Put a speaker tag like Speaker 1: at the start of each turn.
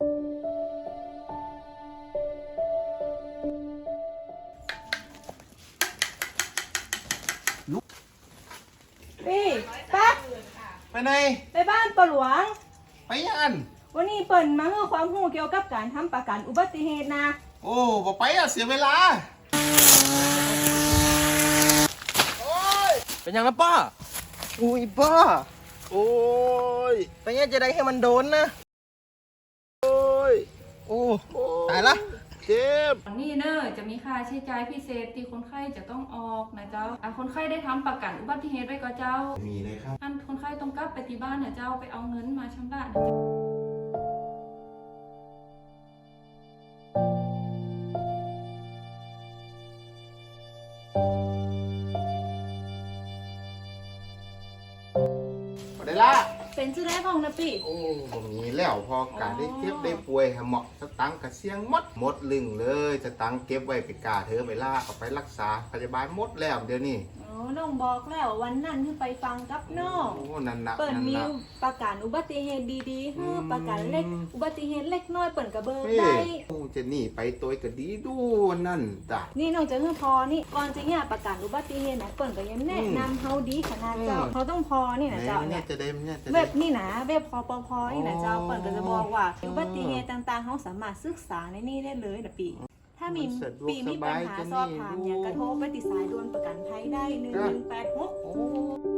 Speaker 1: พี่ป๊า
Speaker 2: ไปไหน
Speaker 1: ไปบ้านปะหลวง
Speaker 2: ไปยัน
Speaker 1: วันนี้เปิ่นมาให้ความรู้เกี่ยวกับการทำประกันอุบัติเหตุนะ
Speaker 2: โอ้บอกไปเสียเวลา
Speaker 3: เป็นยังนะป้า
Speaker 2: อุ้ยบ้าโอ้ย
Speaker 3: เป็นยังจะได้ให้มันโดนนะ
Speaker 2: โอ้ย
Speaker 3: โอ้ตายละ
Speaker 2: เจ็บ
Speaker 1: นี่เนอะจะมีค่าใช้จ่ายพิเศษที่คนไข้จะต้องออกนะเจ้าคนไข้ได้ทำประกันอุบัติเหตุไว้ก็เจ้า
Speaker 2: มีเลยครับ
Speaker 1: อันคนไข้ต้องกลับไปที่บ้านนะเจ้าไปเอาเงินมาชำระนะ
Speaker 2: ได้ละ
Speaker 1: เป็นชื่อแรกของนะพี่
Speaker 2: โอ้บ่มีแล้วพอการได้เก็บได้ป่วยเหมาะสตังค์กระเสียงหมดลึงเลยสตังค์เก็บไว้ไปกาเธอไปล่าเอาไปรักษาพยาบาลหมดแล้วเดี๋ยวนี้
Speaker 1: น้องบอกแล้ววันนั้นที่ไปฟังกับน้อง
Speaker 2: นั่นนะ
Speaker 1: เปิ่นมีประกันอุบัติเหตุดีๆให้ประกันเล็กอุบัติเหตุเล็กน้อยเปิ่นกระเบิกได้
Speaker 2: จะหนีไปตัวก็ดีดูนั่นจ้ะ
Speaker 1: นี่น้องจะเพื่อพอนี่ก่อนจะเนี่ยประกันอุบัติเหตุนะเปิ่นก็ยังแนะนำเฮาดีขนาดเจ้าเขาต้องพอนี่นะเจ้าเนี่ยเว็บนี่นะเว็บพอนี่นะเจ้าเปิ่นก็จะบอกว่าอุบัติเหตุต่างๆเขาสามารถศึกษาในนี่ได้เลยนะปีถ้ามีมีปัญหาสอบถามอย่างกระโทรไปติดสายด่วนประกันภัยได้1186